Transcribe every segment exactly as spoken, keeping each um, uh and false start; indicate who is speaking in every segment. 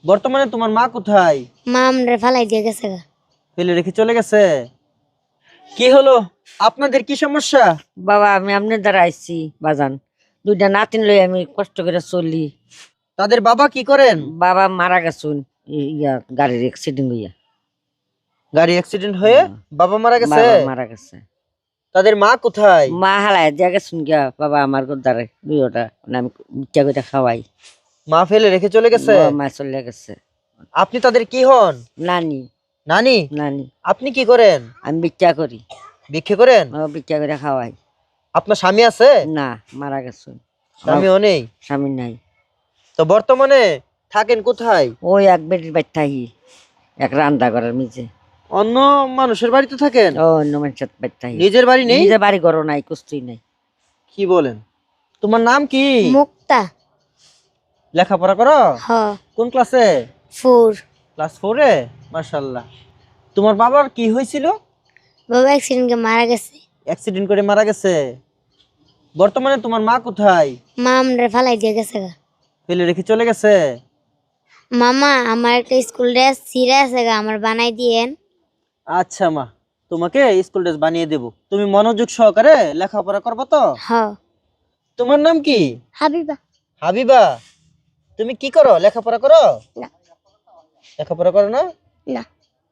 Speaker 1: বর্তমানে তোমার মা কোথায়?
Speaker 2: মা আমরে ফালাই দিয়ে গেছে গা।
Speaker 1: ফেলে রেখে চলে গেছে। কি হলো, আপনাদের কি সমস্যা?
Speaker 3: বাবা আমি আপনার দ্বারা আইছি বাজান, দুইটা নাতিন লই আমি কষ্ট করে চলি।
Speaker 1: তাদের বাবা কি করেন?
Speaker 3: বাবা মারা গেছুন ইয়া গাড়ির অ্যাক্সিডেন্ট হইয়া।
Speaker 1: গাড়ি অ্যাক্সিডেন্ট হয়ে বাবা মারা গেছে।
Speaker 3: বাবা মারা গেছে।
Speaker 1: তাদের মা কোথায়?
Speaker 3: মা হালাই দিয়া গেছুন গিয়া বাবা আমার দ্বারে দুইটা আমি ইচ্ছা করে খাওয়াই।
Speaker 1: মা ফেলে রেখে চলে গেছে।
Speaker 3: মা চলে গেছে।
Speaker 1: আপনি তাদের কি হন?
Speaker 3: নানি।
Speaker 1: নানি?
Speaker 3: নানি।
Speaker 1: আপনি কি করেন?
Speaker 3: আমি ভিক্ষা করি।
Speaker 1: ভিক্ষা করেন?
Speaker 3: ভিক্ষা করে খাওয়াই।
Speaker 1: আপনার স্বামী আছে?
Speaker 3: না, মারা গেছুন।
Speaker 1: স্বামীও নেই?
Speaker 3: স্বামী নাই।
Speaker 1: তো বর্তমানে থাকেন কোথায়?
Speaker 3: ওই এক বেটির বাড়ি থাকি, এক রান্না করার নিচে।
Speaker 1: অন্য মানুষের বাড়িতে থাকেন?
Speaker 3: ও অন্য মানুষের বাড়ি থাকি।
Speaker 1: নিজের বাড়ি নেই?
Speaker 3: নিজের বাড়ি ঘর নাই, কিছুই নাই।
Speaker 1: কি বলেন? তোমার নাম কি?
Speaker 2: মুক্তা।
Speaker 1: লেখাপড়া করো?
Speaker 2: হ্যাঁ।
Speaker 1: কোন ক্লাসে?
Speaker 2: ফোর।
Speaker 1: ক্লাস ফোরে? মাশাআল্লাহ। তোমার বাবার কি হয়েছিল?
Speaker 2: বাবা অ্যাক্সিডেন্টে মারা গেছে।
Speaker 1: অ্যাক্সিডেন্ট করে মারা গেছে। বর্তমানে তোমার মা কোথায়?
Speaker 2: মা আমরে ফালাই দিয়ে গেছে গা।
Speaker 1: ফেলে রেখে চলে গেছে।
Speaker 2: মামা আমার একটা স্কুল ড্রেস ছিঁড়ে আছে গা, আমার বানাই দিয়েন।
Speaker 1: আচ্ছা মা, তোমাকে স্কুল ড্রেস বানিয়ে দেব। তুমি মনোযোগ সহকারে লেখাপড়া করবে তো?
Speaker 2: হ্যাঁ।
Speaker 1: তোমার নাম কি?
Speaker 2: হাবিবা।
Speaker 1: হাবিবা। তুমি কি করো? লেখাপড়া করো?
Speaker 2: না।
Speaker 1: লেখাপড়া করো না?
Speaker 2: না।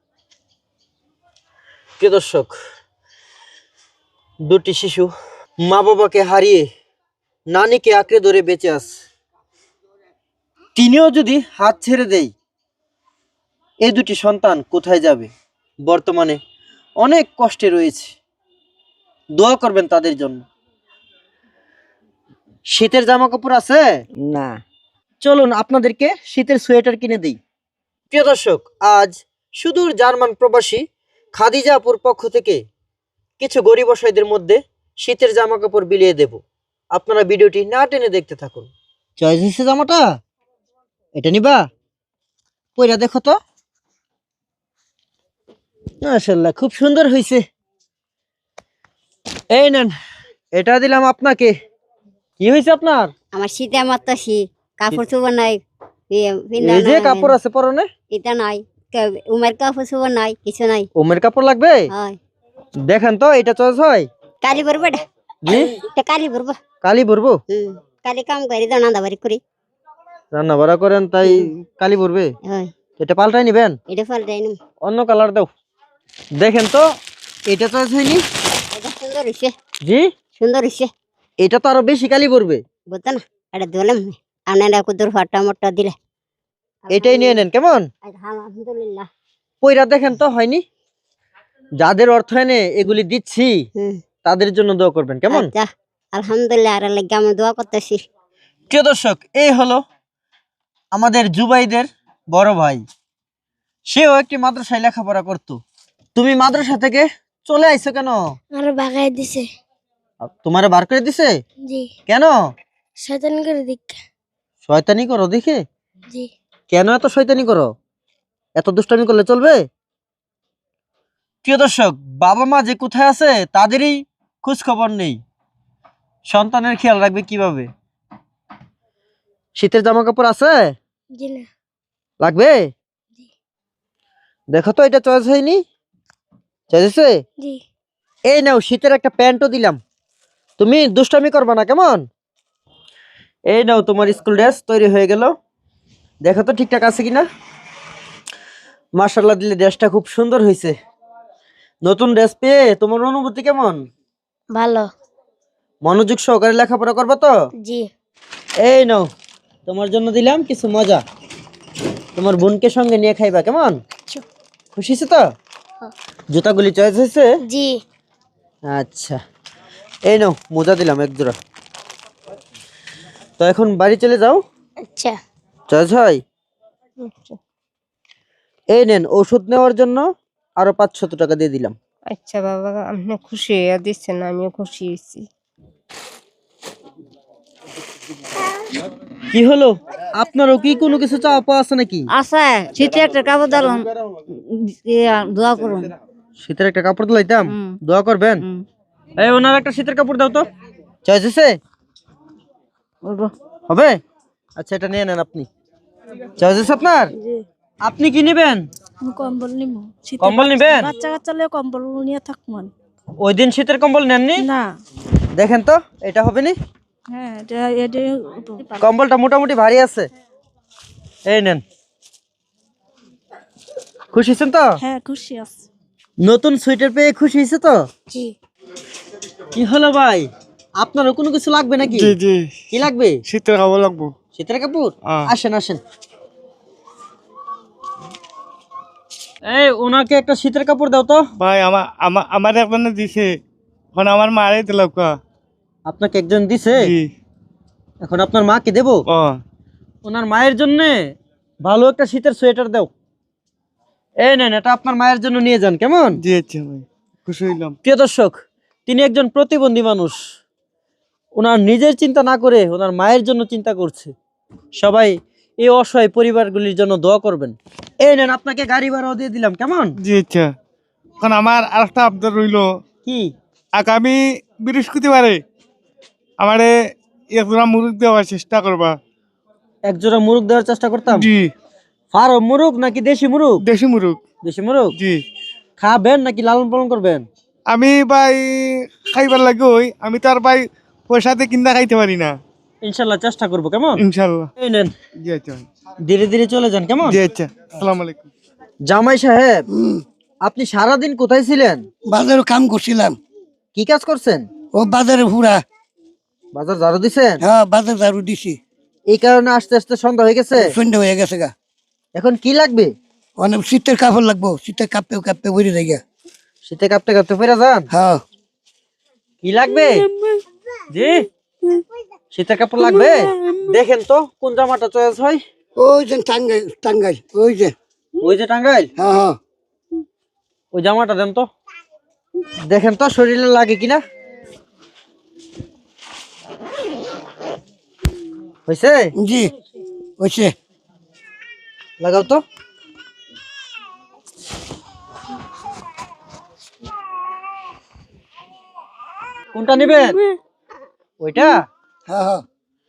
Speaker 1: প্রিয় দর্শক, দুটি শিশু মা বাবাকে হারিয়ে নানিকে আঁকড়ে ধরে বেঁচে আছে। তিনিও যদি হাত ছেড়ে দেয়, এই দুটি সন্তান কোথায় যাবে? বর্তমানে অনেক কষ্টে রয়েছে। দোয়া করবেন তাদের জন্য। শীতের জামা কাপড় আছে?
Speaker 3: না।
Speaker 1: চলুন আপনাদেরকে শীতের সোয়েটার কিনে দিই। প্রিয় দর্শক, আজ সুদূর জার্মান প্রবাসী খাদিজা আপুর পক্ষ থেকে কিছু গরিব অসহায়দের মধ্যে শীতের জামা কাপড় বিলিয়ে দেব। আপনারা ভিডিওটি না টেনে দেখতে থাকুন। চয়েস হয়েছে জামাটা? এটা নিবা? পয়রা দেখো তো। মাশাআল্লাহ, খুব সুন্দর হয়েছে। এই নেন, এটা দিলাম আপনাকে। কি হয়েছে আপনার?
Speaker 2: আমার শীতে মারতাছি, কাপড় চোপড় নাই।
Speaker 1: এই যে কাপড় আছে পরনে,
Speaker 2: এটা নাই। উমের কাপড় চোপড় নাই, কিছু নাই।
Speaker 1: ওমের কাপড় লাগবে?
Speaker 2: হয়।
Speaker 1: দেখেন তো এটা চয়েস হয়?
Speaker 2: কালি ভরবো এটা।
Speaker 1: জি,
Speaker 2: এটা কালি ভরবো।
Speaker 1: কালি ভরবো?
Speaker 2: হুম, কালি কাম করি তো নান্দা বাড়ি করি।
Speaker 1: রান্না বাড়া করেন তাই কালি ভরবে?
Speaker 2: হয়।
Speaker 1: এটা পাল্টাই নিবেন?
Speaker 2: এটা পাল্টাই নিম।
Speaker 1: অন্য কালার দাও। দেখেন তো এটা চয়েস হয়নি?
Speaker 2: এটা সুন্দর হইছে।
Speaker 1: জি,
Speaker 2: সুন্দর হইছে।
Speaker 1: এটা তো আরো বেশি কালি ভরবে।
Speaker 2: বুঝতো না, এটা দোলাম আপনারা কুদুর ফাটা মোটা দিলে।
Speaker 1: এটাই নিয়ে নেন কেমন?
Speaker 2: আলহামদুলিল্লাহ।
Speaker 1: পয়রা দেখেন তো হয়নি? যাদের অর্থায়নে এগুলি দিচ্ছি
Speaker 2: হুম।
Speaker 1: তাদের জন্য দোয়া করবেন কেমন?
Speaker 2: আচ্ছা, আলহামদুলিল্লাহ। আর লাগে আমি দোয়া করতেছি।
Speaker 1: প্রিয় দর্শক, এই হলো আমাদের জুবাইদের বড় ভাই। সেও একটি মাদ্রাসায় লেখাপড়া করতো। তুমি মাদ্রাসা থেকে চলে আইছো কেন?
Speaker 2: আরো বাগাই দিছে।
Speaker 1: তোমারে বার করে দিছে?
Speaker 2: জি।
Speaker 1: কেন?
Speaker 2: শয়তান করে দিক।
Speaker 1: শয়তানি করো দেখে?
Speaker 2: জি।
Speaker 1: কেন এত শয়তানি করো? এত দুষ্টামি করলে চলবে? প্রিয় দর্শক, বাবা মা যে কোথায় আছে তাদেরই খোঁজ খবর নেই। সন্তানের খেয়াল রাখবে কিভাবে? শীতের জামা কাপড় আছে?
Speaker 2: জি না।
Speaker 1: লাগবে? দেখো তো এটা চয়েস হয়নি? চয়েস হয়েছে?
Speaker 2: জি।
Speaker 1: এই নাও শীতের একটা প্যান্টও দিলাম। তুমি দুষ্টামি করবা না কেমন? এই নাও তোমার স্কুল ড্রেস তৈরি হয়ে গেল। দেখো তো ঠিকঠাক আছে কিনা। মাশাআল্লাহ, দিলে ড্রেসটা খুব সুন্দর হয়েছে। নতুন ড্রেস পেয়ে তোমার অনুভূতি কেমন?
Speaker 2: ভালো।
Speaker 1: মনোযোগ সহকারে লেখাপড়া করবে তো?
Speaker 2: জি।
Speaker 1: এই নাও তোমার জন্য দিলাম কিছু মজা। তোমার বোনকে সঙ্গে নিয়ে খাইবা কেমন? খুশি হয়েছে তো? জুতাগুলি চয়েস হয়েছে?
Speaker 2: জি।
Speaker 1: আচ্ছা, এই নাও মোজা দিলাম এক জোড়া। তো এখন বাড়ি চলে যাও।
Speaker 2: আচ্ছা।
Speaker 1: চয়েস হয়? এই নেন ওষুধ নেওয়ার জন্য আরো পাঁচশত টাকা দিয়ে দিলাম।
Speaker 4: আচ্ছা বাবা, আপনি খুশি হয়ে দিচ্ছেন, আমিও খুশি হয়েছি।
Speaker 1: কি হলো, আপনারও কি কোনো কিছু চাওয়া পাওয়া আছে নাকি?
Speaker 3: আছে, শীতে একটা কাপড় দালুন, দোয়া করুন।
Speaker 1: শীতের একটা কাপড় দিলাইতাম,
Speaker 3: হুম।
Speaker 1: দোয়া করবেন।
Speaker 3: হুম।
Speaker 1: এই ওনার একটা শীতের কাপড় দাও তো। চয়েস হয়েছে?
Speaker 3: বলবো।
Speaker 1: হবে? আচ্ছা, এটা নিয়ে নেন আপনি। চয়েস হয়েছে আপনার? আপনি কি নেবেন?
Speaker 5: কম্বল নিব
Speaker 1: কম্বল নেবেন?
Speaker 5: বাচ্চা কাচ্চা লে কম্বল নিয়ে থাকবো
Speaker 1: ওই দিন শীতের কম্বল নেননি?
Speaker 5: না।
Speaker 1: দেখেন তো এটা হবে নি?
Speaker 5: হ্যাঁ এটা এটা
Speaker 1: কম্বলটা মোটামুটি ভারী আছে, এই নেন। খুশি হয়েছেন তো?
Speaker 5: হ্যাঁ খুশি আছে।
Speaker 1: নতুন সোয়েটার পেয়ে খুশি হয়েছে তো?
Speaker 5: জি।
Speaker 1: কি হলো ভাই, আপনারও কোনো কিছু লাগবে নাকি?
Speaker 6: জি জি
Speaker 1: কি লাগবে?
Speaker 6: শীতের খাবার লাগবো।
Speaker 1: শীতের কাপড়?
Speaker 6: হ্যাঁ।
Speaker 1: আসেন আসেন। এই ওনাকে একটা শীতের কাপড় দাও তো।
Speaker 6: ভাই আমার আমার আমার একজনে দিছে, এখন আমার মারে দিল কা।
Speaker 1: আপনাকে একজন দিছে,
Speaker 6: জি।
Speaker 1: এখন আপনার মাকে দেব?
Speaker 6: ও
Speaker 1: ওনার মায়ের জন্য ভালো একটা শীতের সোয়েটার দাও। এই নেন, এটা আপনার মায়ের জন্য নিয়ে যান, কেমন?
Speaker 6: জি আচ্ছা ভাই, খুশি হইলাম।
Speaker 1: প্রিয় দর্শক, তিনি একজন প্রতিবন্ধী মানুষ, ওনার নিজের চিন্তা না করে ওনার মায়ের জন্য চিন্তা করছে। সবাই এই অসহায় পরিবারগুলির জন্য দোয়া করবেন। এই নেন, আপনাকে গাড়ি ভাড়াও দিয়ে দিলাম, কেমন?
Speaker 6: জি আচ্ছা, এখন আমার আরেকটা আবদার রইলো,
Speaker 1: কি?
Speaker 6: আগামী বৃহস্পতিবারে আমারে একজোড়া মুরগ দেওয়ার চেষ্টা করবা।
Speaker 1: এক জোড়া মুরগ দেওয়ার চেষ্টা করতাম।
Speaker 6: জি।
Speaker 1: ফার্ম মুরগ নাকি দেশি মুরগ?
Speaker 6: দেশি মুরগ।
Speaker 1: দেশি মুরগ?
Speaker 6: জি।
Speaker 1: খাবেন নাকি লালন পালন করবেন?
Speaker 6: আমি ভাই খাইবার লাগে ওই, আমি তার ভাই পয়সাতে কিনা খাইতে পারি না।
Speaker 1: ইনশাল্লাহ চেষ্টা করবো, কেমন?
Speaker 6: ইনশাল্লাহ।
Speaker 1: এই নেন,
Speaker 6: জি আচ্ছা ভাই।
Speaker 1: ধীরে ধীরে চলে যান, কেমন?
Speaker 6: জি আচ্ছা, আসসালামু আলাইকুম।
Speaker 1: জামাই সাহেব, আপনি সারাদিন কোথায় ছিলেন?
Speaker 7: বাজারে কাম করছিলাম।
Speaker 1: কি কাজ করছেন?
Speaker 7: ও বাজারে হুড়া।
Speaker 1: বাজার ঝাড়ু দিছেন?
Speaker 7: হ্যাঁ বাজার ঝাড়ু দিছি।
Speaker 1: এই কারণে আস্তে আস্তে সন্ধ্যা হয়ে গেছে।
Speaker 7: সন্ধ্যা হয়ে গেছে গা।
Speaker 1: এখন কি লাগবে?
Speaker 7: অনেক শীতের কাপড় লাগবো, শীতের কাঁপতে কাঁপতে বইরে যাই গা।
Speaker 1: শীতে কাঁপতে কাঁপতে ফেরা যান?
Speaker 7: হ্যাঁ।
Speaker 1: কি লাগবে? জি, শীতের কাপড় লাগবে। দেখেন তো কোন জামাটা চয়েস হয়।
Speaker 7: ওই যে টাঙ্গাই টাঙ্গাই ওই যে।
Speaker 1: ওই যে টাঙ্গাইল,
Speaker 7: হ্যাঁ হ্যাঁ।
Speaker 1: ওই জামাটা দেন তো, দেখেন তো শরীরে লাগে কিনা। হয়েছে?
Speaker 7: জি হয়েছে।
Speaker 1: লাগাও তো। কোনটা নেবেন? ওইটা?
Speaker 7: হ্যাঁ হ্যাঁ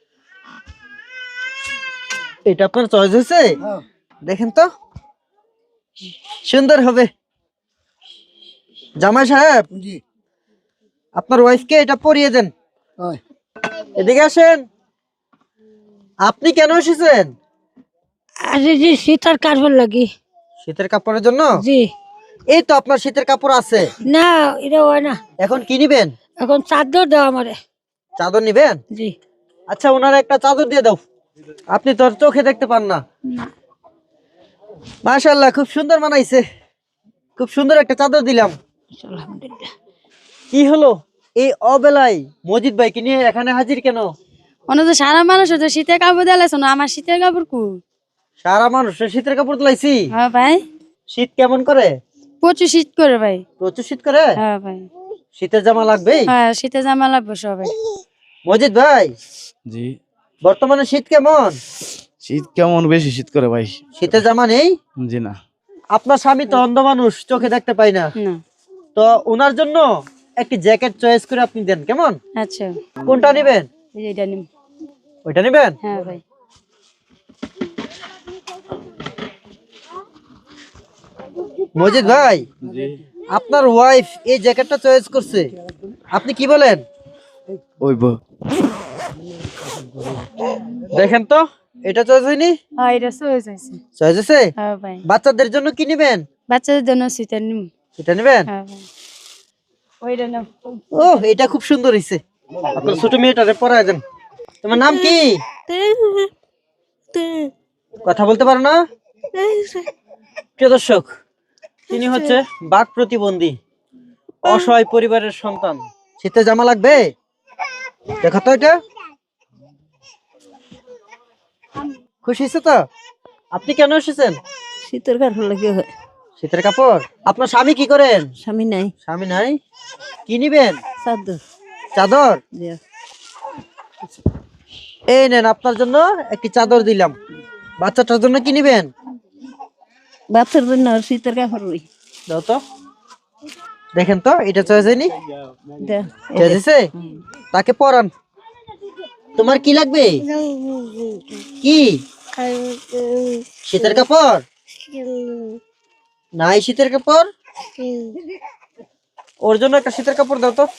Speaker 1: এটা আপনার চয়েস হয়েছে?
Speaker 7: হ্যাঁ।
Speaker 1: দেখেন তো, সুন্দর হবে। জামাই সাহেব,
Speaker 7: জি।
Speaker 1: আপনার ওয়াইফকে এটা পরিয়ে দেন।
Speaker 7: হয়।
Speaker 1: এদিকে আসেন। আপনি কেন এসেছেন?
Speaker 5: আরে জি শীতের কাপড় লাগি।
Speaker 1: শীতের কাপড়ের জন্য?
Speaker 5: জি।
Speaker 1: এই তো আপনার শীতের কাপড় আছে।
Speaker 5: না এটা হয় না,
Speaker 1: এখন কি নিবেন?
Speaker 5: এখন চাদর দাও আমারে।
Speaker 1: চাদর নিবেন?
Speaker 5: জি।
Speaker 1: আচ্ছা, ওনার একটা চাদর দিয়ে দাও। আপনি তো আর চোখে দেখতে পান না। মাশাআল্লাহ, খুব সুন্দর বানাইছে। খুব সুন্দর একটা চাদর দিলাম।
Speaker 5: আলহামদুলিল্লাহ।
Speaker 1: কি হলো, এই অবেলায় মজিদ ভাইকে নিয়ে এখানে হাজির কেন?
Speaker 8: অন্য তো সারা মানুষ তো শীতের কাপড় দিলাইছ না, আমার শীতের কাপড় কু?
Speaker 1: সারা মানুষের শীতের কাপড় দিলাইছি।
Speaker 8: হ্যাঁ ভাই,
Speaker 1: শীত কেমন করে?
Speaker 8: প্রচুর শীত করে ভাই।
Speaker 1: প্রচুর শীত করে?
Speaker 8: হ্যাঁ ভাই,
Speaker 1: শীতের জামা লাগবে?
Speaker 8: হ্যাঁ শীতের জামা লাগবে সবাই।
Speaker 1: মজিদ ভাই,
Speaker 9: জি।
Speaker 1: বর্তমানে শীত কেমন?
Speaker 9: শীত কেমন, বেশি শীত করে ভাই।
Speaker 1: শীতের জামা নেই?
Speaker 9: জি না।
Speaker 1: আপনার স্বামী তো অন্ধ মানুষ, চোখে দেখতে পাই না।
Speaker 8: না।
Speaker 1: তো ওনার জন্য একটি জ্যাকেট চয়েস করে আপনি দেন, কেমন?
Speaker 8: আচ্ছা,
Speaker 1: কোনটা নেবেন?
Speaker 8: এই যে এটা নিম।
Speaker 1: ওইটা নেবেন?
Speaker 8: হ্যাঁ ভাই।
Speaker 1: মজিদ ভাই, আপনার ওয়াইফ এই জ্যাকেটটা চয়েস করছে, আপনি কি বলেন?
Speaker 9: ওই বো
Speaker 1: দেখেন তো, এটা চয়েস হয়নি?
Speaker 8: হ্যাঁ এটা চয়েস হয়েছে।
Speaker 1: চয়েস হয়েছে?
Speaker 8: হ্যাঁ ভাই।
Speaker 1: বাচ্চাদের জন্য কি নেবেন?
Speaker 8: বাচ্চাদের জন্য শীতের নিম।
Speaker 1: এটা নেবেন?
Speaker 8: হ্যাঁ ভাই। ওইটা নাও।
Speaker 1: ও, এটা খুব সুন্দর হয়েছে। আপনার ছোট মেয়েটারে পরায় দেন। তোমার নাম কি? কথা বলতে পারো না? প্রিয় দর্শক, তিনি হচ্ছে বাক প্রতিবন্ধী, অসহায় পরিবারের সন্তান। শীতের জামা লাগবে? দেখো তো এটা। খুশি হয়েছে তো? আপনি কেন এসেছেন?
Speaker 4: শীতের কাপড় লাগে।
Speaker 1: শীতের কাপড়। আপনার স্বামী কি করেন?
Speaker 4: স্বামী নাই।
Speaker 1: স্বামী নাই? কি নিবেন?
Speaker 4: চাদর।
Speaker 1: চাদর? এই নেন, আপনার জন্য একটি চাদর দিলাম। বাচ্চাটার জন্য কি নিবেন?
Speaker 4: বাচ্চার জন্য শীতের কাপড় ওই।
Speaker 1: দাও তো, দেখেন তো, এটা চয়েস হয়নি? চয়েস হয়েছে? তাকে পরান। তোমার কি লাগবে? কি শীতের কাপড় নাই, শীতের কাপড় ওর জন্য একটা শীতের কাপড় দাও তো।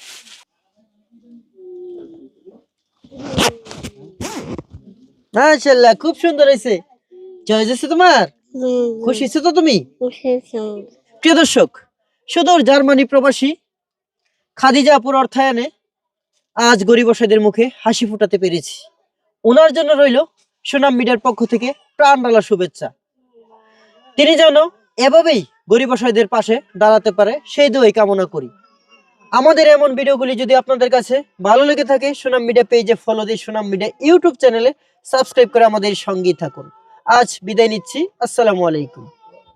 Speaker 1: মাশাআল্লাহ, খুব সুন্দর হয়েছে। চয়েস হয়েছে তোমার? খুশি হয়েছো তো তুমি? প্রিয় দর্শক, সুদূর জার্মানি প্রবাসী খাদিজা আপুর অর্থায়নে আজ গরিব অসহায়দের মুখে হাসি ফোটাতে পেরেছি। ওনার জন্য রইল সুনাম মিডিয়ার পক্ষ থেকে প্রাণ ঢালা শুভেচ্ছা। তিনি যেন এভাবেই গরিব অসহায়দের পাশে দাঁড়াতে পারে সেই দোয়াই কামনা করি। আমাদের এমন ভিডিওগুলি যদি আপনাদের কাছে ভালো লেগে থাকে, সুনাম মিডিয়া পেজে ফলো দিয়ে সুনাম মিডিয়া ইউটিউব চ্যানেলে সাবস্ক্রাইব করে আমাদের সঙ্গেই থাকুন। আজ বিদায় নিচ্ছি, আসসালামু আলাইকুম।